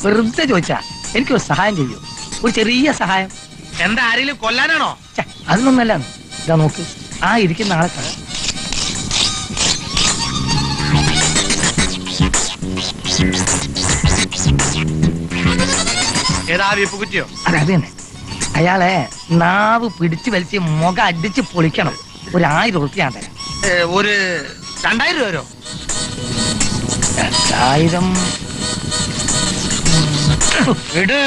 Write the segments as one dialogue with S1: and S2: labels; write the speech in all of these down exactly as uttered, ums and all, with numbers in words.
S1: വെറുതെ ചോദിച്ചാ എനിക്കൊരു സഹായം ചെയ്യൂ, ഒരു ചെറിയ സഹായം.
S2: എന്താ, ആരെങ്കിലും കൊല്ലാനാണോ?
S1: അതൊന്നല്ല. ഇതാ നോക്ക്, ആ ഇരിക്കുന്ന ആളെ കാണാം.
S2: ഏതാ വീപ്പ് കുറ്റിയോ?
S1: അതെ, അത് തന്നെ. അയാളെ നാവ് പിടിച്ചു വലിച്ച് മുഖം അടിച്ച് പൊളിക്കണം. ഒരു ആയിരം ഉറുപ്പിക ഞാൻ തരാം.
S2: ഒരു രണ്ടായിരം രൂപ വരോ?
S1: രണ്ടായിരം
S2: ഇട്.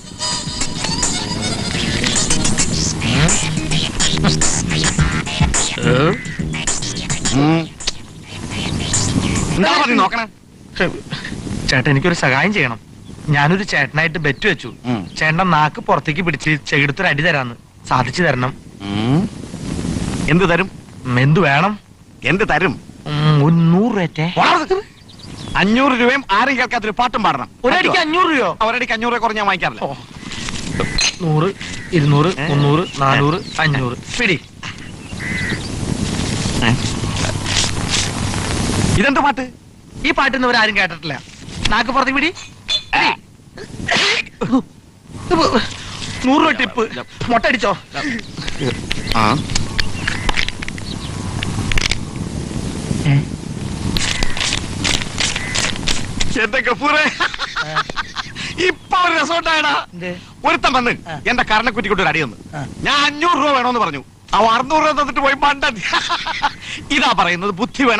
S3: നോക്കണം
S2: ചേട്ടൻ, എനിക്കൊരു സഹായം ചെയ്യണം. ഞാനൊരു ചേട്ടനായിട്ട് ബെറ്റ് വെച്ചു. ചേട്ടൻ നാക്ക് പുറത്തേക്ക് പിടിച്ച് ചെകിടത്തൊരു അടി തരാന്ന്. സാധിച്ചു തരണം.
S3: എന്ത് തരും?
S2: എന്ത് വേണം?
S3: എന്ത് തരും?
S2: ഒരു നൂറ് രൂപ.
S3: അഞ്ഞൂറ് രൂപയും ആരും കേൾക്കാത്തൊരു പാട്ടും പാടണം.
S2: ഒരടിക്ക് അഞ്ഞൂറ് രൂപയോ?
S3: ഒരടിക്ക് അഞ്ഞൂറ് രൂപ കുറഞ്ഞാൽ വാങ്ങിക്കാറില്ല.
S2: നൂറ്, ഇരുന്നൂറ്, മുന്നൂറ്, നാനൂറ്, അഞ്ഞൂറ്. പിടി.
S3: ഇതെന്ത് പാട്ട്?
S2: ഈ പാട്ടിന്ന് ഇവരാരും കേട്ടിട്ടില്ല. നാക്ക് പുറത്തേക്ക് പിടി. നൂറ് രൂപ ടിപ്പ്. മുട്ട അടിച്ചോ?
S3: എന്റെ ഗഫൂറേ, ഇപ്പൊ ഒരു രസമുണ്ടായടാ. ഒരുത്തം വന്ന് എന്റെ കരണക്കുറ്റിക്കൊണ്ട് ഒരു അടി തന്നു. ഞാൻ അഞ്ഞൂറ് രൂപ വേണമെന്ന് പറഞ്ഞു. അവ അറുന്നൂറ് രൂപ തന്നിട്ട് പോയി മണ്ടൻ. ഇതാ പറയുന്നത്, ബുദ്ധി വേണം.